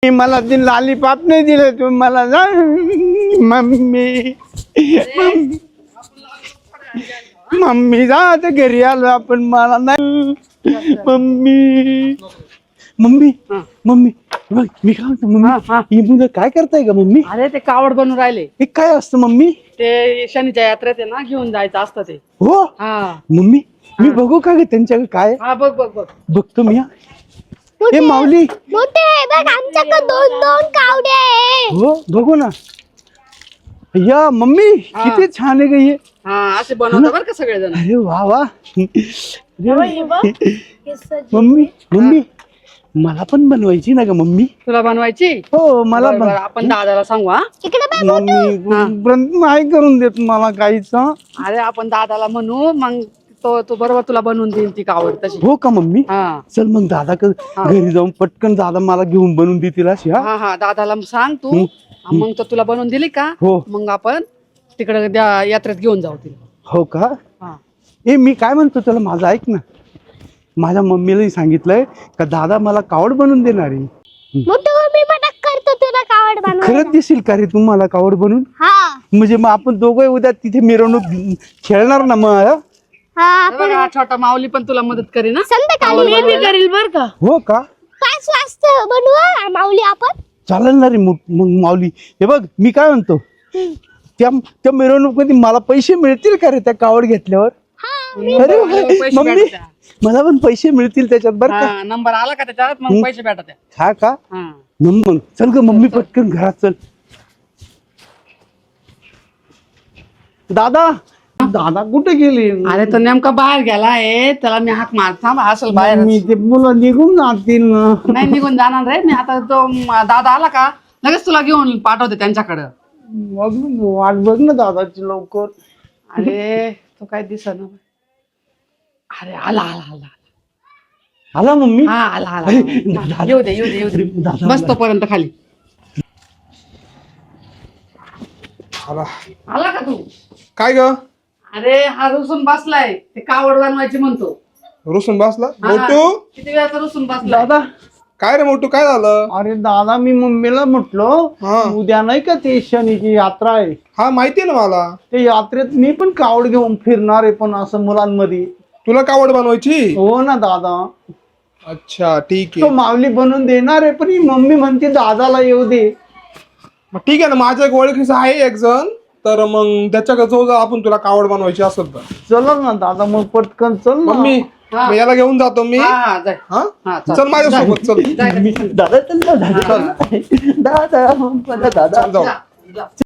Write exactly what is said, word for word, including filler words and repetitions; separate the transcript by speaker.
Speaker 1: मला ती लॉलीपॉप नाही दिलं तुम्ही मला जा मम्मी मम्मी जा आता घरी आलो आपण मला नाही मम्मी मम्मी मम्मी बघ मी काय म्हणतो मम्मी ही मुलं काय करताय का मम्मी?
Speaker 2: अरे ते कावड बनून राहिले.
Speaker 1: हे काय असतं मम्मी?
Speaker 2: ते शनीच्या यात्रेत आहे ना घेऊन जायचं असतं ते.
Speaker 1: हो
Speaker 2: हा
Speaker 1: मम्मी मी बघू का ग त्यांच्याकडे काय?
Speaker 2: हा बघ बघ बघ
Speaker 1: बघतो मी. ए माऊली
Speaker 3: मोठे बघ आमच्याकडे दोन दोन कावडे आहे.
Speaker 1: हो बघू ना. या मम्मी किती छान आहे ग हे.
Speaker 2: हा असे बनवतात बरं का सगळेजण.
Speaker 1: अरे वा वा मम्मी मम्मी मला पण बनवायची ना ग मम्मी.
Speaker 2: तुला बनवायची?
Speaker 1: हो मला
Speaker 2: बरं, बरं, आपण दादाला सांगू. हा
Speaker 3: इकडे
Speaker 1: मम्मी नाही करून देत मला काहीच.
Speaker 2: अरे आपण दादाला म्हणू मग तो तो बरोबर तुला बनवून देईल ती कावड तशी.
Speaker 1: हो का मम्मी?
Speaker 2: हा
Speaker 1: चल मग दादा घरी जाऊन पटकन दादा मला घेऊन बनवून देतील अशी. हा
Speaker 2: हा हा दादाला सांग तू मग तो तुला बनवून दिली का
Speaker 1: हो
Speaker 2: मग आपण तिकडे यात्रेत घेऊन जाऊ तिला.
Speaker 1: हो का?
Speaker 2: हा
Speaker 1: ए मी काय म्हणतो त्याला माझं ऐक ना. माझ्या मम्मीलाही सांगितलंय का दादा मला कावड बनवून देणार आहे.
Speaker 3: मोठे मी मदत करतो तुला कावड बनवायला.
Speaker 1: खरंच देशील का रे तू मला कावड बनवून?
Speaker 3: हा
Speaker 1: म्हणजे मग आपण दोघं उद्या तिथे मिरवणूक खेळणार ना मग.
Speaker 3: हा
Speaker 2: हे बघ, हा छोटा माऊली पण तुला मदत करेल ना.
Speaker 3: संध्याकाळी
Speaker 2: मी बी करील बर का.
Speaker 1: हो का?
Speaker 3: पाच वाजता बनवू माऊली आपण.
Speaker 1: चालेल ना रे मग माऊली. हे बघ मी काय म्हणतो त्या त्या मिरवणूक मध्ये मला पैसे मिळतील का रे त्या कावड घेतल्यावर? अरे वा,
Speaker 2: पैसे
Speaker 1: मम्मी
Speaker 2: भेटतात.
Speaker 1: मला पण पैसे मिळतील त्याच्यात बरं का?
Speaker 2: हा, नंबर आला का त्याच्यात मग पैसे भेटत.
Speaker 1: हा का?
Speaker 2: हा
Speaker 1: मग चल ग मम्मी पटकन घरात चल. दादा दादा कुठे गेले?
Speaker 2: अरे तो नेमका बाहेर गेला आहे त्याला मी हाक मार थांब असेल बाहेर.
Speaker 1: मी ते मुलं निघून जातील ना.
Speaker 2: नाही निघून जाणार रे मी आता. तो म- दादा आला का लगेच तुला घेऊन पाठवते त्यांच्याकडं.
Speaker 1: बघ ना, वाट बघ ना दादाची लवकर.
Speaker 2: अरे तो काय दिसना. अरे आला आला आला
Speaker 1: आला मम्मी.
Speaker 2: हा आला आला
Speaker 1: अरे, दादा.
Speaker 2: येऊ दे येऊ दे येऊ दे
Speaker 1: दादा
Speaker 2: बस तोपर्यंत खाली.
Speaker 4: आला.
Speaker 2: आला का तू?
Speaker 4: काय ग?
Speaker 2: अरे हा रुसून बसलाय ते कावड बनवायची म्हणतो.
Speaker 4: रुसून बसला
Speaker 2: हा,
Speaker 4: मोटू?
Speaker 2: किती वेळाचा रुसून बसलाय.
Speaker 1: दादा
Speaker 4: काय रे मोटू काय झालं?
Speaker 1: अरे दादा मी मम्मीला म्हटलो
Speaker 4: हा.
Speaker 1: उद्या नाही का ते शनीची यात्रा आहे.
Speaker 4: हा माहितीये ना मला.
Speaker 1: ते यात्रेत मी पण कावड घेऊन फिरणार आहे पण असं मुलांमध्ये.
Speaker 4: तुला कावड बनवायची?
Speaker 1: हो ना दादा.
Speaker 4: अच्छा ठीक
Speaker 1: तो
Speaker 4: आहे.
Speaker 1: माऊली बनवून देणार आहे पण ही मम्मी म्हणते दादाला येऊ दे.
Speaker 4: मग ठीक आहे ना माझ्या एक ओळखीचा आहे एक जण तर मग त्याच्याकडे जाऊ जा आपण तुला कावड बनवायची असेल तर.
Speaker 1: चल ना दादा मग पटकन चल ना.
Speaker 4: मम्मी
Speaker 2: हा.
Speaker 4: मग याला घेऊन जातो मी.
Speaker 2: हा हा जाय.
Speaker 4: हा
Speaker 2: हा, चल.
Speaker 4: चल माझ्यासोबत चल.
Speaker 2: जाय, जाय.
Speaker 1: दादा चल ना दादा दादा दादा
Speaker 4: चल जाऊ.
Speaker 2: जा, जा.